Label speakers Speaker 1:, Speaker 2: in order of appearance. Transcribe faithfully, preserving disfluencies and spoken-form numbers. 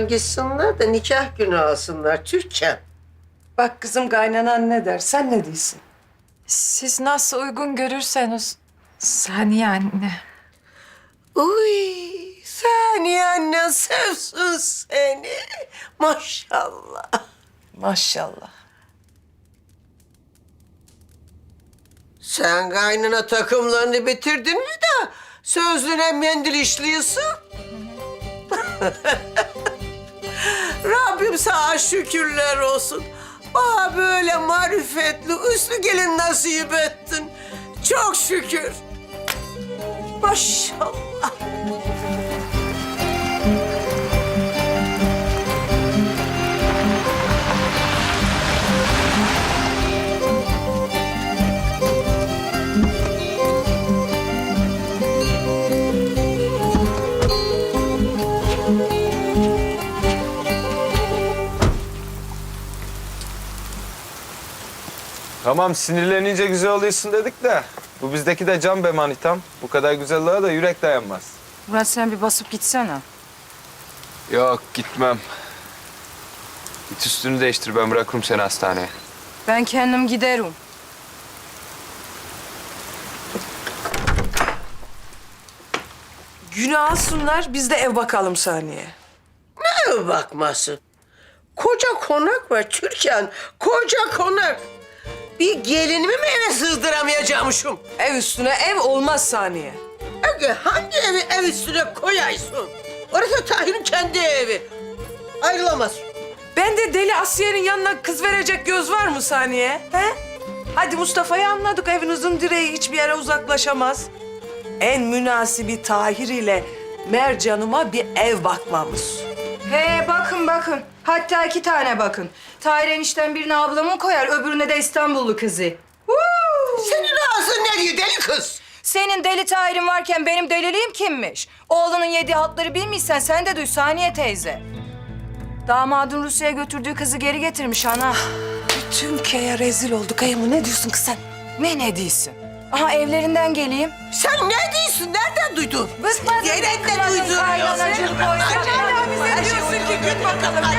Speaker 1: Hemen gitsinler de nikah günü alsınlar Türkan.
Speaker 2: Bak kızım kaynanan ne der, sen ne diyorsun?
Speaker 3: Siz nasıl uygun görürseniz Saniye anne.
Speaker 1: Uy, Saniye annen sevsin seni. Maşallah.
Speaker 2: Maşallah.
Speaker 1: Sen kaynana takımlarını bitirdin mi de sözlüğüne mendil işliyorsun? Rabbim sana şükürler olsun. Bana böyle marifetli, üslü gelin nasip ettin. Çok şükür. Maşallah.
Speaker 4: Tamam sinirlenince güzel oluyorsun dedik de bu bizdeki de can be manitam. Bu kadar güzelliğe de yürek dayanmaz.
Speaker 5: Murat sen bir basıp gitsene.
Speaker 6: Yok gitmem. Git üstünü değiştir ben bırakırım seni hastaneye.
Speaker 5: Ben kendim giderim.
Speaker 2: Günü alsınlar, biz de ev bakalım Saniye.
Speaker 1: Ne bakmasın? Koca konak var Türkan. Koca konak. Bir gelinimi mi eve sığdıramayacakmışım?
Speaker 2: Ev üstüne ev olmaz Saniye.
Speaker 1: Ege hangi evi ev üstüne koyaysın? Orası Tahir'in kendi evi. Ayrılamaz.
Speaker 2: Ben de deli Asiye'nin yanına kız verecek göz var mı Saniye? He? Hadi Mustafa'yı anladık, evinizin direği hiçbir yere uzaklaşamaz. En münasibi Tahir ile Mercan'ıma bir ev bakmamız.
Speaker 5: He bakın bakın. Hatta iki tane bakın. Tahir enişten birine ablamı koyar, öbürüne de İstanbullu kızı. Huu!
Speaker 1: Senin ağzın ne diyor deli kız?
Speaker 5: Senin deli Tahir'in varken benim deliliğim kimmiş? Oğlunun yediği hatları bilmişsen sen de duy Saniye teyze. Damadın Rusya'ya götürdüğü kızı geri getirmiş ana.
Speaker 2: Bütün köye rezil olduk. Ayımı ne diyorsun kız sen?
Speaker 5: Ne ne diyorsun? Aha evlerinden geleyim.
Speaker 1: Sen ne diyorsun? Nereden duydun?
Speaker 5: Bıkmadın,
Speaker 1: Nereden
Speaker 5: bıkmadın
Speaker 1: duydun?
Speaker 5: kaynanacığım,
Speaker 1: Sen
Speaker 5: koynacığım.
Speaker 1: hala bize diyorsun ki git bakalım